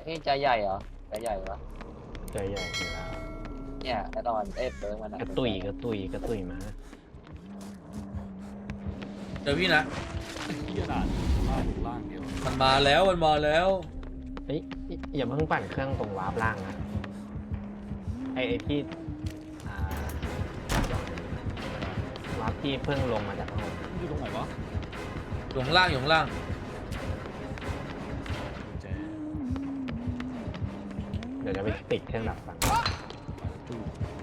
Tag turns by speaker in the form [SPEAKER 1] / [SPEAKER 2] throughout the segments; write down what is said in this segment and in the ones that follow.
[SPEAKER 1] นี่ใจใหญ่เหรอใจใหญ่ปะ
[SPEAKER 2] ใจใหญ่อยู่แล้ว
[SPEAKER 1] เนี่ยแน่นอนเปิร์มัน
[SPEAKER 2] กระตุยมา
[SPEAKER 3] เจอพี่นะ
[SPEAKER 4] ที่กระดาษล่างเดียว
[SPEAKER 3] มันมาแล้ว
[SPEAKER 2] เฮ้ยอย่าเพิ่งปั่นเครื่องตรงวาร์ปล่างนะไอ้ที่อ่าวาร์ปที่เพิ่งลงมาจากข้างบน
[SPEAKER 4] อยู่ตรงไหนวะ
[SPEAKER 3] อยู่ข้างล่าง
[SPEAKER 4] แจ
[SPEAKER 2] เดี๋ยวจะไปติดเครื่องดับฟัง
[SPEAKER 4] ตู้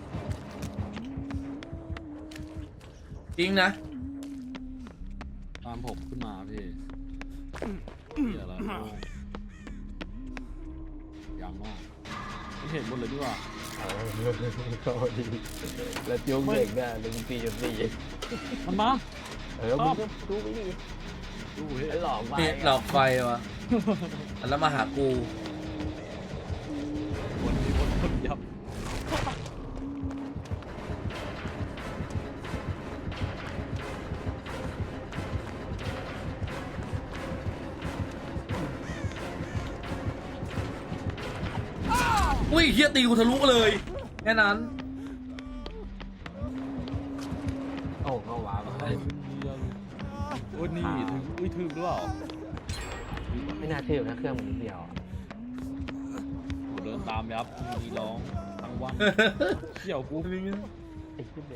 [SPEAKER 3] จริงนะ
[SPEAKER 4] ตามผมขึ้นมาพี่เหี้ยอะไรยังมากไม่เห็นหมดเลยดีกว่า
[SPEAKER 2] ก็ดีแล้วจุ๊บเด็กได้ลุงตีจนตี
[SPEAKER 4] มันมา
[SPEAKER 2] มึงก็ดูไปดิ
[SPEAKER 4] ดูเฮ้ย
[SPEAKER 2] ไอ้หลอกไป
[SPEAKER 3] นี่หลอกไฟวะแล้วมาหากู
[SPEAKER 4] วนยับ
[SPEAKER 3] อุ้ยเฮียตีกูทะลุเลยแค่นั้น
[SPEAKER 2] โอ้เข้าวาร์ป
[SPEAKER 4] ไอ้เหี้ยโอ้ยนี่ถึงอุ้ยถึงหรือเปล่า
[SPEAKER 2] ไม่น่าเชื่อนะเครื่องมันนิดเดียว
[SPEAKER 4] ผมเดินตามยับมีร้องทั้งวันเขี่ยวกู
[SPEAKER 2] ไอ้ขึ้นเลย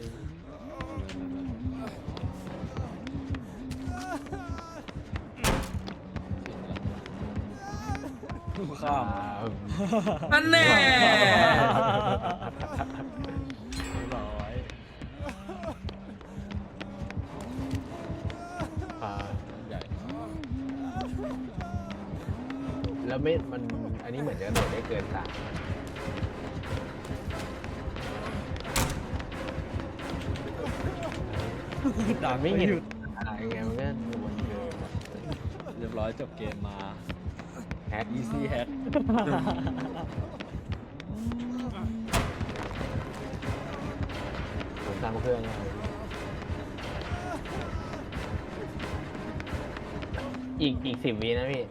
[SPEAKER 4] ข้าม
[SPEAKER 3] นั่นแน่
[SPEAKER 4] ร้อย ใหญ่
[SPEAKER 2] แล้วไม่มันอันนี้เหมือนจะโดดได้เกิน3
[SPEAKER 4] ดัง
[SPEAKER 2] ไม่
[SPEAKER 4] ไม่
[SPEAKER 2] เห็น
[SPEAKER 4] หยุด
[SPEAKER 2] อะไรไงมันก็วนเดิน
[SPEAKER 4] เรียบร้อยจบเกมมา
[SPEAKER 2] แฮก
[SPEAKER 4] easy hack
[SPEAKER 2] ผมตามเครื่องเลยอีก10 วินะพี่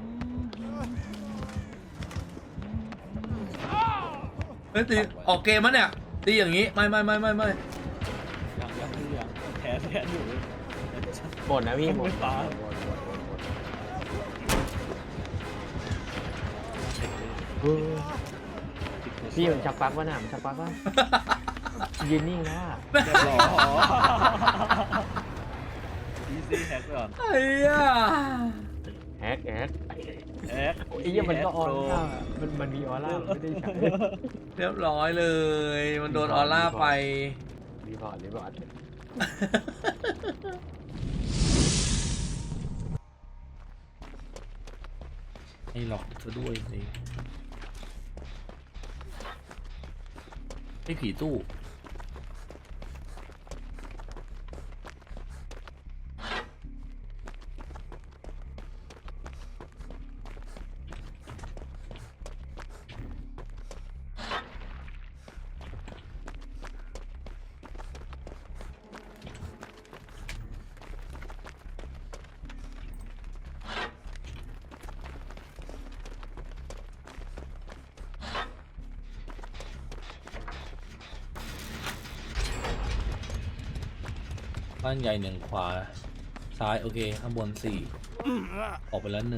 [SPEAKER 3] เฮ้ยตีออกเกมมั้ยเนี่ยตีอย่างงี้ไม่
[SPEAKER 4] ยังแทนอยู่
[SPEAKER 2] หมดนะพี่หมด
[SPEAKER 4] ไม่ตาย
[SPEAKER 2] พี่มันชักปลั๊กวะน่ะมันชักปลั๊กวะยืนนิ่งแล้วอะ
[SPEAKER 4] เรียบร้อย easy hack ก่อน
[SPEAKER 3] ไอ้เหี้ย
[SPEAKER 2] แฮก
[SPEAKER 4] hack
[SPEAKER 2] ไอ้เหี้ยมันก็ออร่ามันมีออร่าไม่ได้ใช้
[SPEAKER 3] เรียบร้อยเลย มันโดนออร่าไป
[SPEAKER 2] รีพอร์ต
[SPEAKER 3] ไอ้หลอกซะด้วยสิไอ้ผีตู้บ้านใหญ่1ขวาซ้ายโอเคข้างบน4ออกไปแล้ว1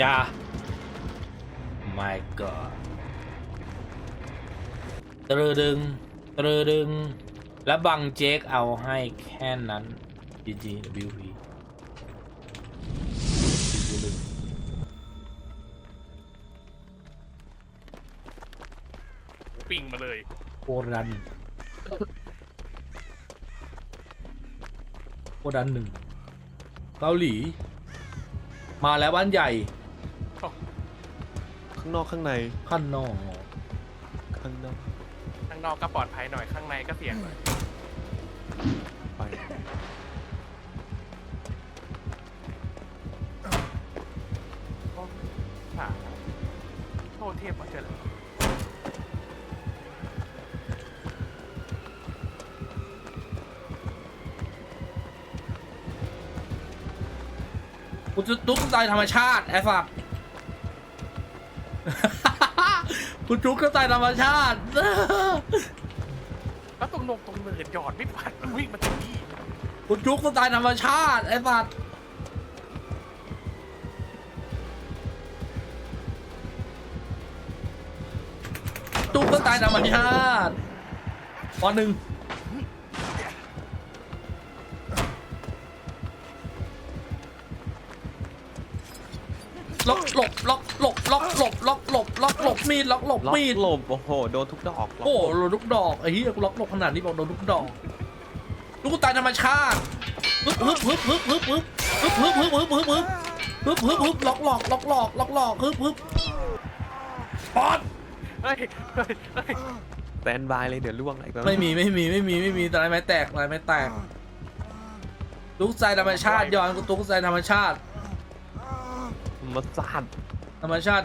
[SPEAKER 3] อย่า my god ตรึดึงตรึดึง และบังเจคเอาให้แค่นั้น GGWP
[SPEAKER 5] ปิงมาเลย
[SPEAKER 3] โครันหนึ่งเกาหลี มาแล้วบ้านใหญ่
[SPEAKER 6] ข้างนอกข้างใน
[SPEAKER 3] ขั้นนอก
[SPEAKER 6] ข้างนอก
[SPEAKER 5] ข้างนอกก็ปลอดภัยหน่อยข้างในก็เสี่ยงหน่อย
[SPEAKER 6] ไป
[SPEAKER 5] ค่ะโทษเทพมาเจอเลย
[SPEAKER 3] กูจะตุ๊กตายธรรมชาติไอ้สัตว์ กูจุกก็ตายธรรมชาติ
[SPEAKER 5] แล้วตรงเนินหยอดไม่ปัดมันวิ่งมาถึงนี่
[SPEAKER 3] กูจุกก็ตายธรรมชาติไอ้สัตว์จุกก็ตายธรรมชาติปหนึ่งล็อกหลบล็อกหลบล็อกหลบล็อกหลบล็อกหลบมีดล็อกหลบ
[SPEAKER 6] ล็อก
[SPEAKER 3] มีด
[SPEAKER 6] หลบโอ้โหโดนทุกดอกล็อก
[SPEAKER 3] โอ้
[SPEAKER 6] หลบ
[SPEAKER 3] โดนทุกดอกไอ้เหี้ยกูล็อกหลบขนาดนี้บอกโดนทุกดอกลูกตายธรรมชาติฮึบฮึบฮึบฮึบฮึบฮึบฮึบฮึบฮึบฮึบฮึบฮึบฮึบฮึบล็อกหลอกล็อกหลอกล็อกหลอกฮึบฮึบปอด
[SPEAKER 5] เฮ้ยเฮ้ยเฮ้ย
[SPEAKER 6] แตนบายเลยเดี๋ยวล่วงอะไรก็
[SPEAKER 3] ไม่มีแต่อะไรไม้แตกอะไรไม้แตกลูกใจธรรมชาติย้อนกูตุ๊กใจธรรมชาติ
[SPEAKER 6] มาสาด
[SPEAKER 3] ธรรมชาติ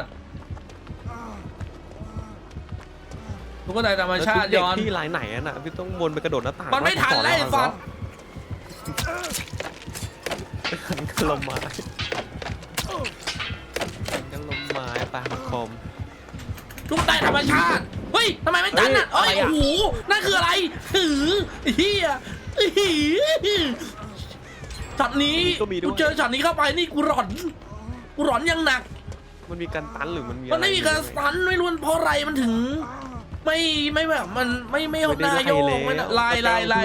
[SPEAKER 3] ลูกก็ใจธรรมชาติ
[SPEAKER 6] แล้ว
[SPEAKER 3] ย้อน
[SPEAKER 6] ที่ลายไหนอะน่ะพี่ต้องวนไปกระโดดหน้าต่าง
[SPEAKER 3] มันไม่ทันแล้วไอ้ฟัน
[SPEAKER 6] กันลมไม้กันลมไม้ปลาคอม
[SPEAKER 3] ลูกใจธรรมชาติเฮ้ยทำไมไม่ตันอ่ะ
[SPEAKER 6] เฮ้
[SPEAKER 3] เอ้
[SPEAKER 6] ย
[SPEAKER 3] ย
[SPEAKER 6] อะไรอะ
[SPEAKER 3] โอ้โหนั่นคืออะไรหือเฮียหือช็อตนี้กูเจอช็อตนี้เข้าไปนี่กูหลอนยังหนัก
[SPEAKER 6] มันมีการตันหรือมันมี
[SPEAKER 3] มันไม่มีการสตันไม่รู้เพราะอะไรมันถึง ไม่แบบมันไม่หน้าโยกไม่ลาย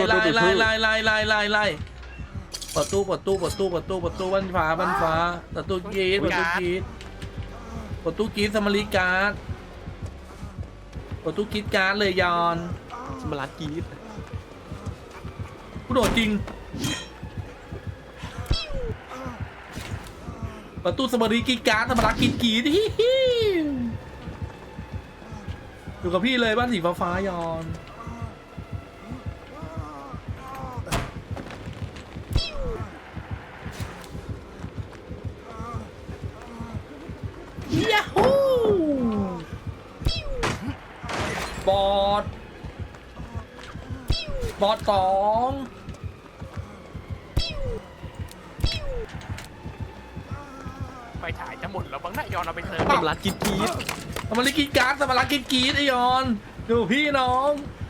[SPEAKER 3] ประตูบ้านฟ้าประตูกรีดสมาริการ์ดประตูกรีดการ์ดเลยยอน
[SPEAKER 6] สมาร์ทกรีด
[SPEAKER 3] กูโดดจริงประตูสมาริการ์ดสมาริกีดอยู่กับพี่เลยบ้านสีฟ้ายอนยาฮูบอดสอง
[SPEAKER 5] ไฟฉายจะหมดแล้วบางหน้ายอนเอาไปเติม
[SPEAKER 6] สมาร์ทกรีด
[SPEAKER 3] สมาริกีการ์ดสมาริกีดไอยอนดูพี่น้อง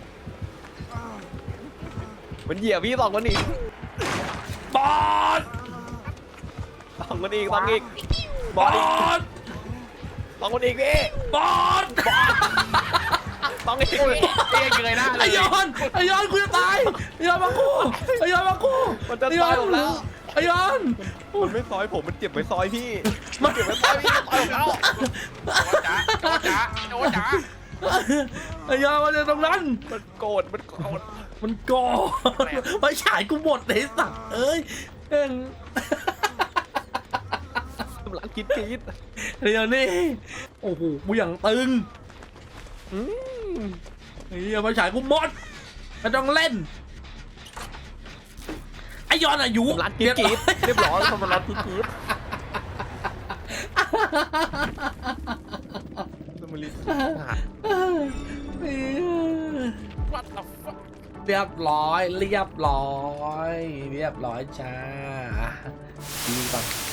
[SPEAKER 6] มันเหยียบพี่ต้องคนอีก
[SPEAKER 3] บอด
[SPEAKER 6] ต้องคนอีกต้องอีก
[SPEAKER 3] บอด
[SPEAKER 6] ต้องคนอีกพี่
[SPEAKER 3] บอด
[SPEAKER 6] ต้องอีกพี่
[SPEAKER 5] เตี้ยเกยหน้าเล
[SPEAKER 3] ไอย ยอนกูจะตายไอยอนมากู
[SPEAKER 6] มันจะต่อยผมแล้ว
[SPEAKER 3] ไอยอน
[SPEAKER 6] มันไม่ซอยผมมันเก็บไว้ซอยพี่
[SPEAKER 3] มัน
[SPEAKER 6] เก็บไว้ซอยพี่ต่อยผมแล้ว
[SPEAKER 5] โดจ๋า
[SPEAKER 3] ไอยอนมาจากตรงนั้น
[SPEAKER 6] มันโกรธ
[SPEAKER 3] มันกอไม่ฉายกูหมดเลยสัตว์เอ้ยเอ็ง
[SPEAKER 6] สมาร์ทกรีด
[SPEAKER 3] เดี๋ยวนี่โอ้โหกูอย่างตึง
[SPEAKER 6] อืม
[SPEAKER 3] ไอ้เหี้ยมาฉายกูหมดไม่ต้องเล่นไอยอนอายุ
[SPEAKER 6] สมาร์ทกรีดเรียบร้อยสมาร์ทกรีดสมาร์ท
[SPEAKER 5] วัดเอา
[SPEAKER 3] เรียบร้อยจ้าดีป่ะ